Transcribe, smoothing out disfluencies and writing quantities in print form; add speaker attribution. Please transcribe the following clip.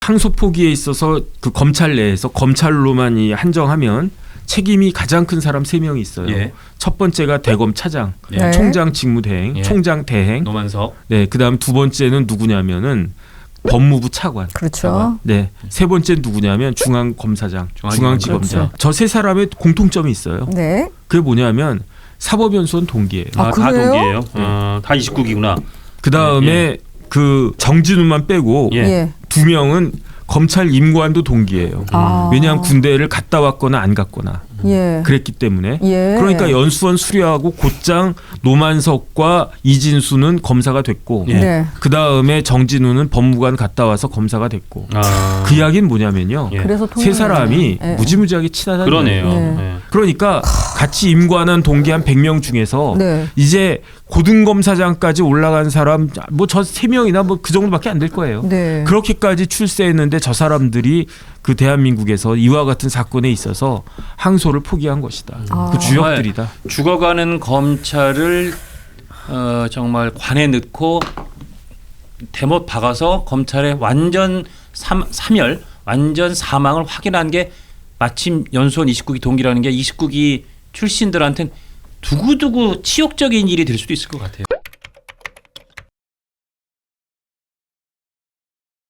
Speaker 1: 항소 포기에 있어서 그 검찰 내에서 검찰로만 한정하면 책임이 가장 큰 사람 3명이 있어요.
Speaker 2: 예.
Speaker 1: 첫 번째가 대검 차장,
Speaker 2: 예.
Speaker 1: 총장 직무대행,
Speaker 2: 예.
Speaker 1: 총장 대행.
Speaker 2: 노만석.
Speaker 1: 네, 그다음 두 번째는 누구냐면은 법무부 차관.
Speaker 3: 그렇죠.
Speaker 1: 네, 세 번째 누구냐면 중앙검사장, 중앙지검장.
Speaker 3: 그렇죠.
Speaker 1: 저 세 사람의 공통점이 있어요.
Speaker 3: 네.
Speaker 1: 그게 뭐냐면 사법연수원 동기예요.
Speaker 3: 아,
Speaker 2: 다
Speaker 3: 그래요?
Speaker 2: 동기예요. 다 29기구나.
Speaker 1: 그 다음에
Speaker 2: 예.
Speaker 1: 그 정진우만 빼고
Speaker 2: 예.
Speaker 3: 예.
Speaker 1: 2명은 검찰 임관도 동기예요.
Speaker 3: 아.
Speaker 1: 왜냐하면 군대를 갔다 왔거나 안 갔거나
Speaker 3: 예.
Speaker 1: 그랬기 때문에.
Speaker 3: 예.
Speaker 1: 그러니까 연수원 수료하고 곧장 노만석과 이진수는 검사가 됐고
Speaker 2: 예.
Speaker 3: 네.
Speaker 1: 그 다음에 정진우는 법무관 갔다 와서 검사가 됐고 그 이야기는 뭐냐면요.
Speaker 2: 예.
Speaker 3: 그래서
Speaker 1: 세 사람이
Speaker 3: 예.
Speaker 1: 무지무지하게 친하다는
Speaker 2: 그러네요.
Speaker 1: 거예요.
Speaker 3: 예.
Speaker 2: 예.
Speaker 1: 그러니까 같이 임관한 동기 한 100명 중에서
Speaker 3: 네.
Speaker 1: 이제 고등검사장까지 올라간 사람 뭐 저 3명이나 뭐 그 정도밖에 안 될 거예요.
Speaker 3: 네.
Speaker 1: 그렇게까지 출세했는데 저 사람들이 그 대한민국에서 이와 같은 사건에 있어서 항소를 포기한 것이다.
Speaker 3: 아.
Speaker 1: 그 주역들이다.
Speaker 2: 죽어가는 검찰을 정말 관에 넣고 대못 박아서 검찰의 완전 사멸, 완전 사망을 확인한 게 마침 연수원 29기 동기라는 게 29기 출신들한테는 두고두고 치욕적인 일이 될 수도 있을 것 같아요.